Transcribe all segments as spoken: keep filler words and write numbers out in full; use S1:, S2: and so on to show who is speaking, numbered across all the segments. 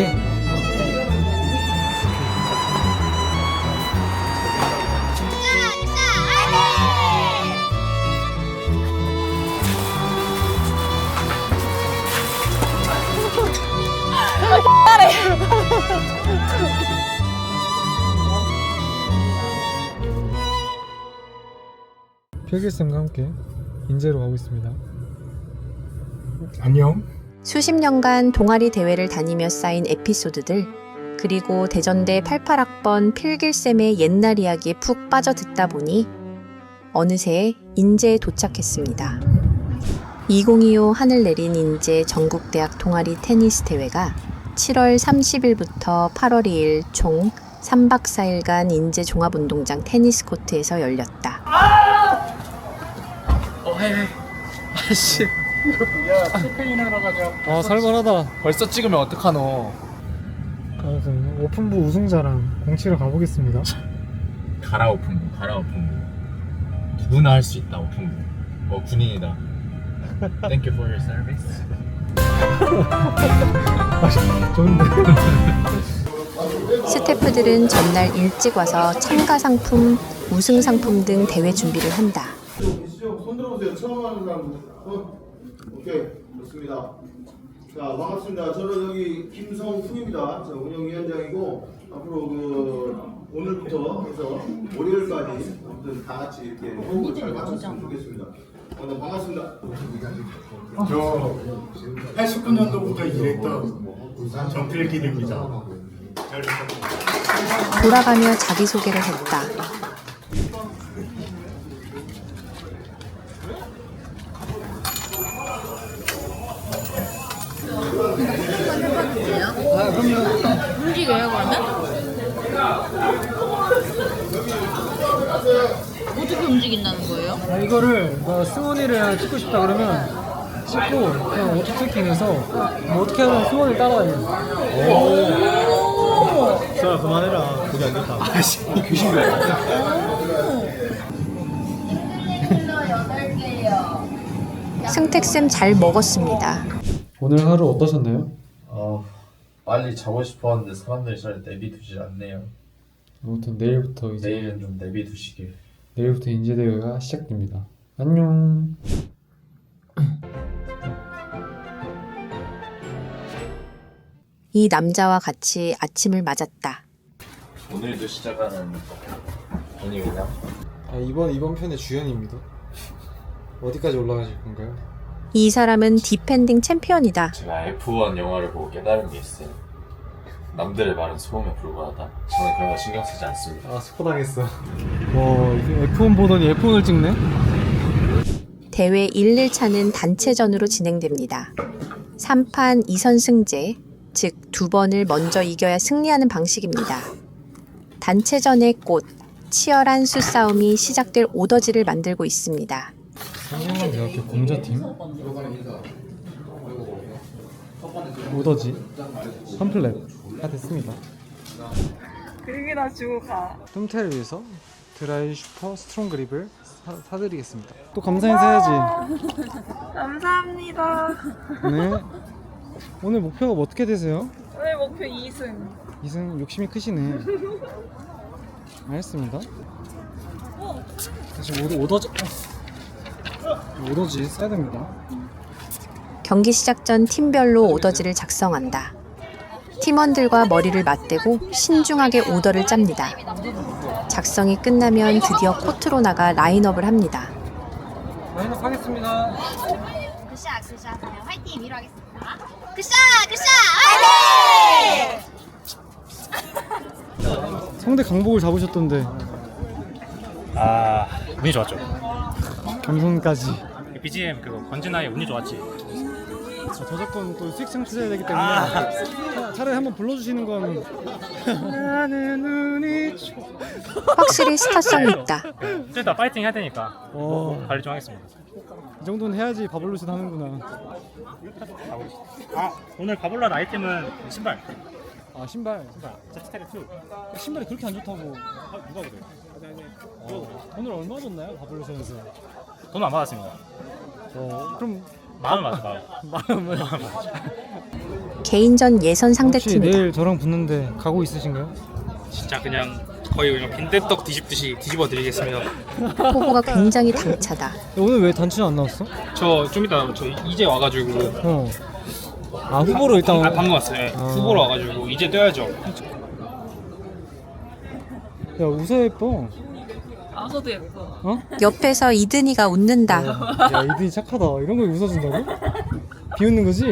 S1: 오케이. 필기쌤과 함께 인제로 가고 있습니다. 안녕.
S2: 수십 년간 동아리 대회를 다니며 쌓인 에피소드들, 그리고 대전대 팔십팔 학번 필길쌤의 옛날 이야기에 푹 빠져 듣다 보니 어느새 인제에 도착했습니다. 이천이십오 하늘 내린 인제 전국대학 동아리 테니스 대회가 칠월 삼십일부터 팔월 이일 총 삼 박 사 일간 인제 종합운동장 테니스 코트에서 열렸다.
S3: 어, 헤이, 아씨.
S1: 야, 스페인 하러 가자. 아, 살벌하다.
S3: 벌써 찍으면 어떡하노?
S1: 아무튼 오픈부 우승자랑 공치러 가보겠습니다.
S3: 가라 오픈부, 가라 오픈부. 누구나 할 수 있다 오픈부. 어, 군인이다. Thank you for your service.
S1: 아, 좋은데.
S2: 스태프들은 전날 일찍 와서 참가 상품, 우승 상품 등 대회 준비를 한다.
S4: 손 들어보세요. 처음 하는 사람들. 어? 오케이. 좋습니다. 자, 반갑습니다. 저는 여기 김성훈입니다. 자, 운영위원장이고 앞으로 그 오늘부터 해서 월요일까지 아무튼 다 같이 이렇게 호흡을 잘 맞췄으면 좋겠습니다. 오늘 반갑습니다.
S5: 저 팔십구 년도부터 일했던 정필길입니다.
S2: 돌아가며 자기소개를 했다.
S6: 움직여요 그러면? 어떻게 움직인다는 거예요?
S1: 아, 이거를 뭐 승원이를 찍고 싶다 그러면 찍고 그냥 오토 트래킹해서 뭐 어떻게 하면 승원을 따라다니는. 자, 그만해라. 그게 안 좋다.
S3: 아씨, 귀신 같아.
S2: 승택쌤 잘 먹었습니다.
S1: 오늘 하루 어떠셨나요?
S3: 어, 빨리 자고 싶었는데 사람들이 잘 내비두지 않네요.
S1: 아무튼 내일부터 이제
S3: 내일은 좀 내비두시길.
S1: 내일부터 인제대회가 시작됩니다. 안녕.
S2: 이 남자와 같이 아침을 맞았다.
S3: 오늘도 시작하는 분위기냐?
S1: 아, 이번 이번 편의 주연입니다. 어디까지 올라가실 건가요?
S2: 이 사람은 디펜딩 챔피언이다.
S3: 제가 에프원 영화를 보고 깨달은 게 있어요. 남들의 말은 소음에 불과하다. 저는 그런 거 신경 쓰지 않습니다.
S1: 아, 스포 당했어. 와, 이게 에프원 보더니 에프원을 찍네?
S2: 대회 일 일차는 단체전으로 진행됩니다. 삼 판 이 선승제, 즉 두 번을 먼저 이겨야 승리하는 방식입니다. 단체전의 꽃, 치열한 수싸움이 시작될 오더지를 만들고 있습니다.
S1: 상경대학교 공자팀 오더지 팜플렛 다 됐습니다.
S6: 그림이나 주고 가.
S1: 뚱태를 위해서 드라이 슈퍼 스트롱 그립을 사, 사드리겠습니다. 또 감사 인사해야지.
S6: 감사합니다.
S1: 네. 오늘 목표가 뭐 어떻게 되세요?
S6: 오늘 목표 이 승.
S1: 이승 욕심이 크시네. 알겠습니다. 다시 오더, 오더지 오더지 써야 됩니다.
S2: 경기 시작 전 팀별로 오더지를 작성한다. 팀원들과 머리를 맞대고 신중하게 오더를 짭니다. 작성이 끝나면 드디어 코트로 나가 라인업을 합니다.
S1: 라인업 하겠습니다.
S7: 굿샷 굿샷 화이팅 위로 하겠습니다. 굿샷 굿샷 화이팅!
S1: 성대 강복을 잡으셨던데
S8: 아, 운이 좋았죠.
S1: 겸손까지.
S8: 비지엠 그거 권진아의 운이 좋았지.
S1: 자, 저작권 또 수익 창출해야 되기 때문에
S8: 아.
S1: 차, 차라리 한번 불러주시는 건. 나는 운이 좋.
S2: 확실히 스타성이 있다.
S8: 이제 다 파이팅 해야 되니까
S1: 어.
S8: 뭐 관리 좀 하겠습니다.
S1: 이 정도는 해야지 바블로스 하는구나.
S8: 아, 오늘 가볼랄 아이템은 신발.
S1: 아, 신발.
S8: 신발. 제트테크 투.
S1: 신발이 그렇게 안 좋다고.
S8: 아, 누가 그래요?
S1: 어, 오늘 얼마 줬나요 바블로스에서?
S8: 돈 안 받았습니다.
S1: 어, 그럼
S8: 마음 맞아, 마음.
S1: 마음을.
S2: 개인전 예선
S1: 혹시
S2: 상대팀이다.
S1: 내일 저랑 붙는데 가고 있으신가요?
S8: 진짜 그냥 거의 그냥 빈대떡 뒤집듯이 뒤집어 드리겠습니다.
S2: 포부가 굉장히 당차다.
S1: 오늘 왜 단추는 안 나왔어?
S8: 저 좀 이따 저 이제 와가지고
S1: 어. 아 후보로 일단
S8: 아, 방금 왔어요. 네.
S1: 아.
S8: 후보로 와가지고 이제 뛰어야죠.
S1: 야 웃어 예뻐.
S6: 아서도 예뻐.
S1: 어?
S2: 옆에서 이든이가 웃는다.
S1: 야 이들이 착하다. 이런 거에 웃어준다고? 비웃는 거지?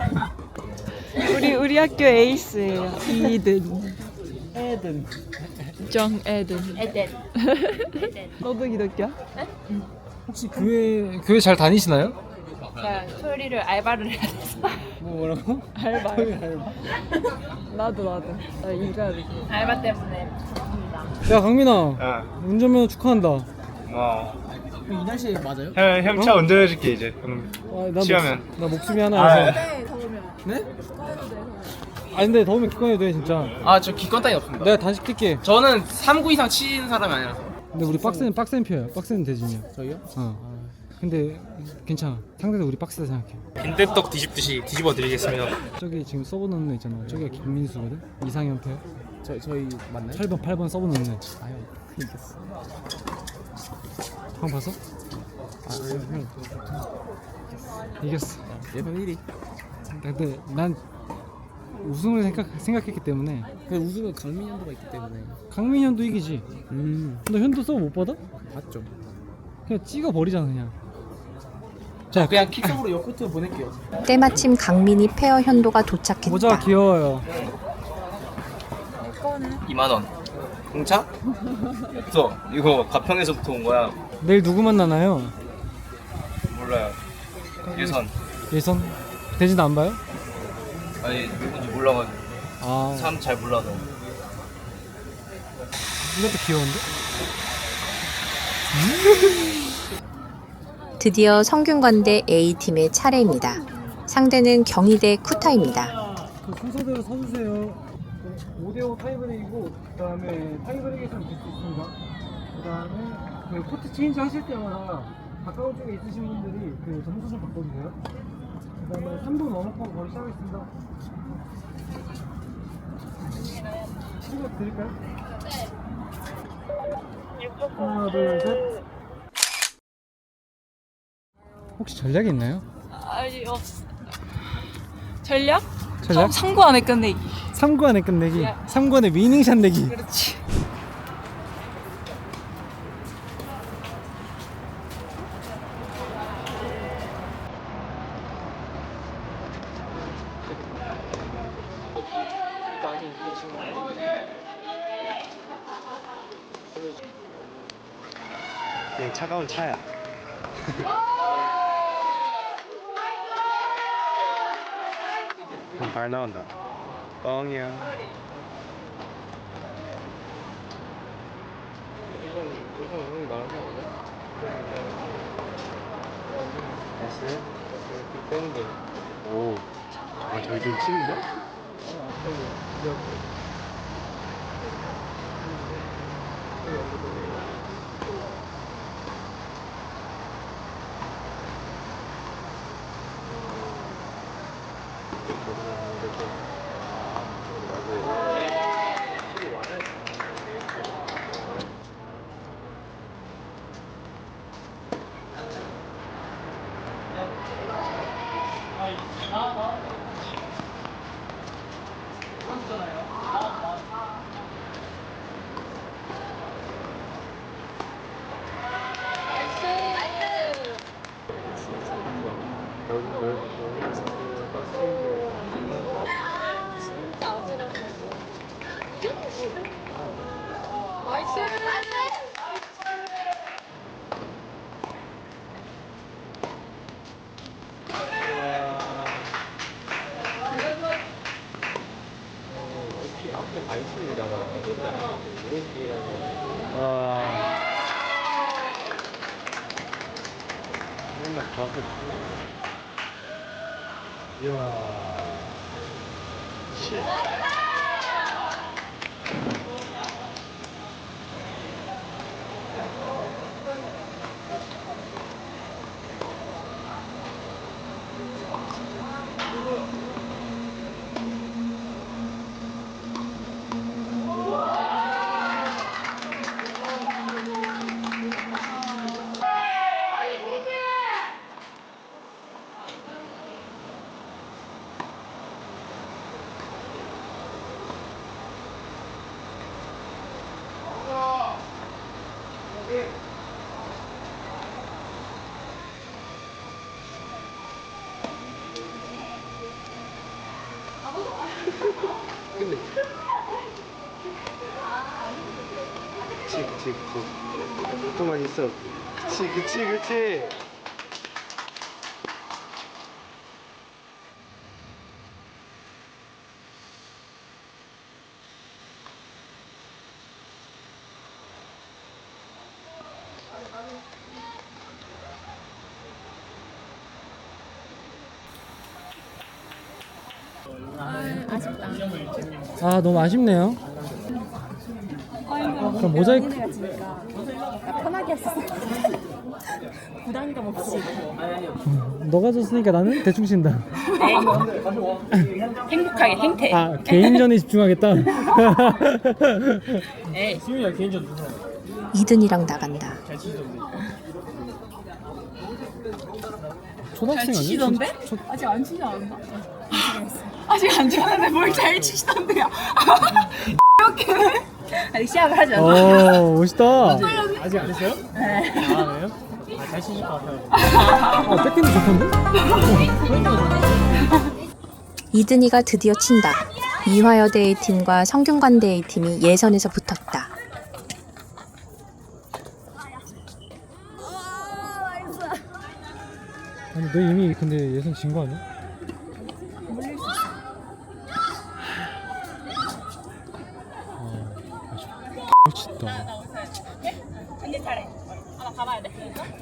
S6: 우리 우리 학교 에이스예요. 이든.
S1: 애든.
S6: 정애든.
S7: 에덴.
S6: 너도 기독교야?
S1: 혹시 교회 교회 잘 다니시나요?
S6: 나 토요일을 알바를 해야 돼서.
S1: 뭐 뭐라고?
S6: 알바. 나도 나도. 나 일가야 돼.
S7: 알바 때문에.
S1: 야 강민아
S8: 아,
S1: 운전면허 축하한다.
S8: 뭐.
S1: 이 날씨에 맞아요?
S8: 형, 형 차 운전해줄게 이제.
S1: 아, 나
S8: 취하면.
S1: 목, 나 목숨이 하나여서.
S8: 아,
S1: 네? 아 근데 더우면 기권해도 돼 진짜.
S9: 아 저 기권 따위 없습니다.
S1: 내가 단식 뛸게.
S9: 저는 삼 구 이상 치는 사람이 아니라서.
S1: 근데 우리 빡센 빡센 표야. 빡센 대진이야.
S9: 저희요?
S1: 어. 근데 괜찮아. 상대도 우리 빡세다 생각해.
S8: 빈대떡 뒤집듯이 뒤집어 드리겠습니다.
S1: 저기 지금 서브넣는 애 있잖아. 저기가 김민수거든. 이상현 패.
S9: 저 저희 맞나요?
S1: 팔 번 팔 번 서브넣는 애.
S9: 아유 이겼어.
S1: 형 봤어?
S9: 아유 형.
S1: 이겼어.
S9: 예선 일 위.
S1: 근데 난 우승을 생각 생각했기 때문에
S9: 근데 우승은 강민 현도가 있기 때문에.
S1: 강민 현도 이기지.
S9: 음
S1: 너 현도 서브 못 받아?
S9: 맞죠.
S1: 그냥 찍어 버리잖아 그냥. 자
S9: 그냥 킥성으로 역코트 보낼게요.
S2: 때마침 강민이 페어 현도가 도착했다.
S1: 모자가 귀여워요.
S9: 이만 원. 공차? 없어. 이거 가평에서부터 온 거야.
S1: 내일 누구 만나나요?
S9: 몰라요. 예선.
S1: 예선 대진 안 봐요?
S9: 아니 누군지 몰라가지고
S1: 아
S9: 사람 잘 몰라서.
S1: 이것도 귀여운데?
S2: 드디어 성균관대 A팀의 차례입니다. 상대는 경희대 쿠타입니다.
S1: 그 순서대로 서주세요. 오 대 오 타이브레이고 그 다음에 타이브레이에서 질 수 있습니다. 그 다음에 그 코트 체인지 하실 때마다 가까운 쪽에 있으신 분들이 그 점수 좀 바꿔주세요. 그 다음에 삼 분 워머업 바로 시작하겠습니다. 시작 드릴까요? 하나 둘 셋. 혹시 전략이 있나요?
S6: 아니 없어. 전략?
S1: 전략?
S6: 삼 구 안에 끝내기.
S1: 삼 구 안에 끝내기.
S6: 야.
S1: 삼 구 안에 위닝샷 내기.
S6: 그렇지.
S8: 그냥 차가운 차야. 발 나온다. 뻥이야. 오, 아 저기 좀 치는데?
S1: 그치 그치 그치 조금만 있어. 그치 그치 그치. 아 너무 아쉽네요. 그럼 모자이크
S6: 편하게 했어. 부담감 없이.
S1: 너가 줬으니까 나는 대충 친다.
S6: 행복하게 행태.
S1: 아 개인전에 집중하겠다.
S6: 에이.
S1: 수윤이야 개인전 누구?
S2: 이든이랑 나간다.
S1: 초등학생 아니야?
S6: 치시던데?
S1: 초, 초,
S6: 아직 안 치지 않았나? 아직 안 치는데 뭘 잘 치시던데요? 이렇게 아직 시작을 하지 않았어.
S1: 오 멋있다. 아직 안 했어요? 네. 아 그래요? 아잘 치실 것 같아요. 아 백핸드 좋던데?
S2: 이든이가 드디어 친다. 이화여대 A팀과 성균관대 A팀이 예선에서 붙었다.
S1: 아니 너 이미 근데 예선 진 거 아니야? 아 멋있다.
S6: 언니 잘해. 하나 가봐야 돼.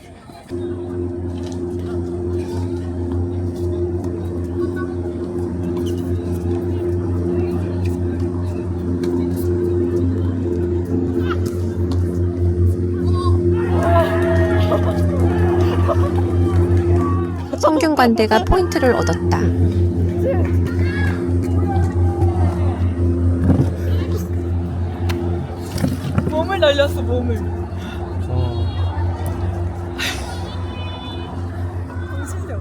S2: 성균관대가 포인트를 얻었다.
S6: 몸을 날렸어 몸을. 실력.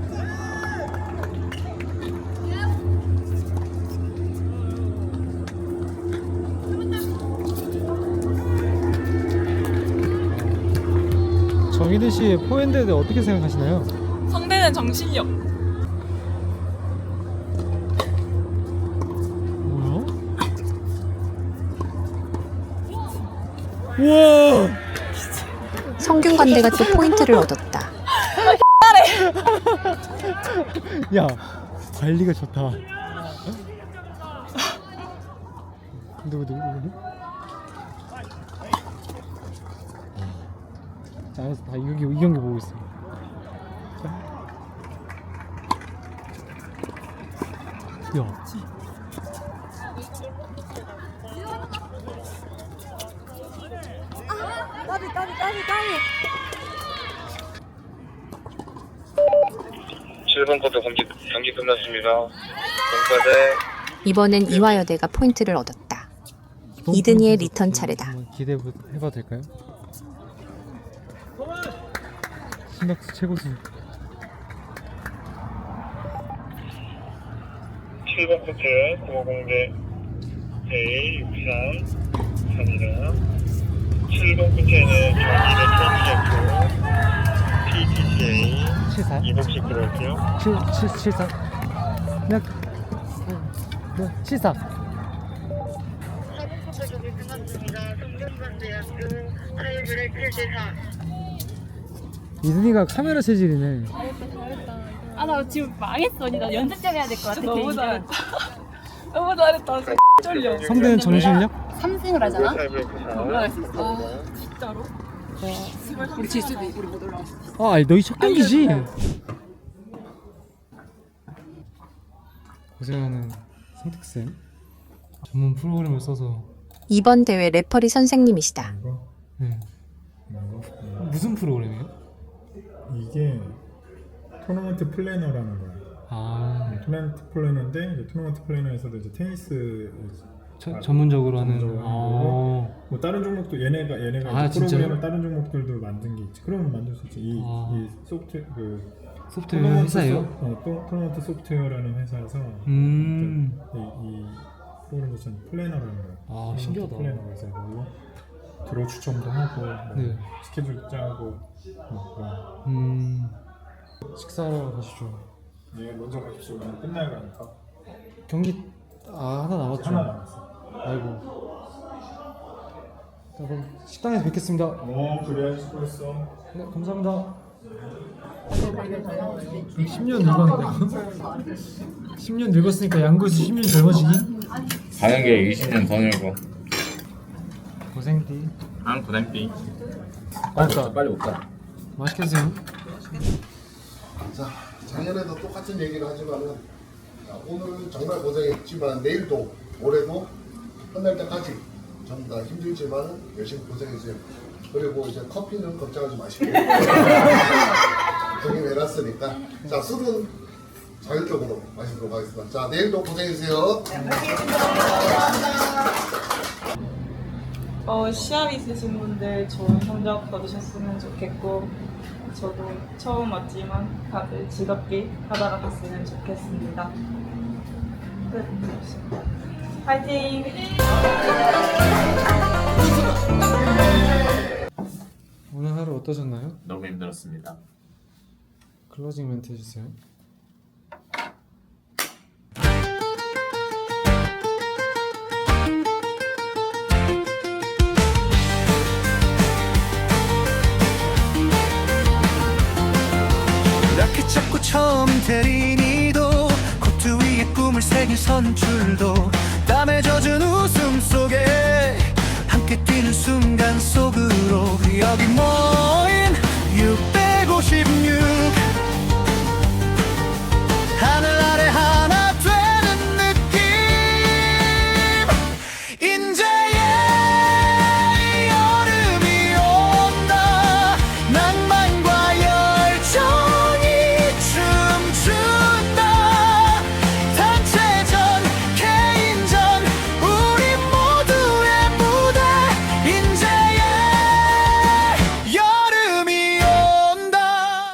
S1: 정희대 씨의 포핸드에 대해 어떻게 생각하시나요?
S6: 성대는 정신력.
S1: 뭐야? 우와!
S2: 성균관대가 또 포인트를 얻었다.
S1: 야 관리가 좋다. 누구 누구 누구? 자, 알았어. 다 이 경기 이 경기 보고 있어. 야.
S6: 까비 까비 까비 까비.
S10: 칠 번 쿼터 경기, 경기 끝났습니다. 경과대
S2: 이번엔 이화여대가 포인트를 얻었다. 이든이의 리턴 차례다.
S1: 한번 기대해 봐도 될까요? 신학수 최고수.
S10: 칠 번 쿼터 구호공대 A 육삼 삼이다. 칠 번 쿼터에는 경기대 트럼프였고 피티씨에이
S1: 칠사.
S10: 이복식 들어올게요.
S1: 칠, 칠, 칠사. 몇? 몇? 칠사.
S10: 사 번 쿼터 경기 끝났습니다. 성균관대학교 타이브레 칠 대 사.
S1: 이든이가 카메라 체질이네.
S6: 아 나 지금 망했어 언니. 나 연습 좀 해야 될 것 같아. 너무 잘했다. 너무 잘했다. 쫄려.
S1: 성대는 정신력?
S6: 삼 승을 하잖아.
S10: 타이브레 칠 사.
S6: 올라갈 수 있어. 아 진짜로? 우리 질 수도 있고 우리 못 올라갈 수도 있어.
S1: 아, 아니, 너희 첫 경기지? 고생하는 성택쌤. 전문 프로그램을 써서.
S2: 이번 대회 레퍼리 선생님이시다.
S1: 네. 무슨 프로그램이에요?
S5: 이게 토너먼트 플래너라는 거야.
S1: 아,
S5: 토너먼트 플래너인데 이제 토너먼트 플래너에서도 이제 테니스
S1: 저, 전문적으로 하는.
S5: 전문적으로 하는
S1: 아,
S5: 거고, 뭐 다른 종목도 얘네가 얘네가
S1: 아,
S5: 이제
S1: 진짜요?
S5: 프로그램을 다른 종목들도 만든 게 있지. 그러면 만들 수 있지. 이,
S1: 아.
S5: 이 소프트 그
S1: 소프트웨어
S5: 토너먼트
S1: 회사예요?
S5: 소, 어, 또, 토너먼트 소프트웨어라는 회사에서
S1: 음.
S5: 이, 이 프로그램 자체는 플래너라는 거야.
S1: 아,
S5: 토너먼트
S1: 신기하다.
S5: 플래너가 있어요. 그리고 들어 추첨도 하고 뭐
S1: 네.
S5: 스케줄 짜고 뭐 그런.
S1: 음. 식사하러 가시죠.
S5: 네, 먼저 가십시오. 오늘 끝나야 가니까.
S1: 경기, 아, 하나 남았죠?
S5: 하나 남았어.
S1: 아이고. 자, 그럼 식당에서 뵙겠습니다.
S5: 어 그래 수고했어.
S1: 네, 감사합니다. 십 년 늙었는데 십 년 늙었으니까 양구에서 십 년 젊어지기?
S3: 가는 게 이십 년 더 늘고.
S1: 고생띠.
S3: 안 고생띠.
S1: 맛있다.
S3: 빨리 먹자.
S1: 맛있게 드세요.
S11: 자, 작년에도 똑같은 얘기를 하지만은 자, 오늘은 정말 고생했지만 내일도 올해도 끝날 때까지 전부 다 힘들지만 열심히 고생해주세요. 그리고 이제 커피는 걱정하지 마시고 형님 해놨으니까 자 술은 자율적으로 마시도록 하겠습니다. 자 내일도 고생해주세요.
S6: 어, 시합 있으신 분들 좋은 성적 거두셨으면 좋겠고 저도 처음 왔지만 다들 즐겁게 하다가 갔으면 좋겠습니다. 끝. 화이팅!
S1: 오늘 하루 어떠셨나요?
S3: 너무 힘들었습니다.
S1: 클로징 멘트 해주세요.
S12: 라켓 잡고 처음 대리니도 코트 위에 꿈을 새긴 선출도 땀에 젖은 웃음 속에 함께 뛰는 순간 속으로 여기 모인 육백오십육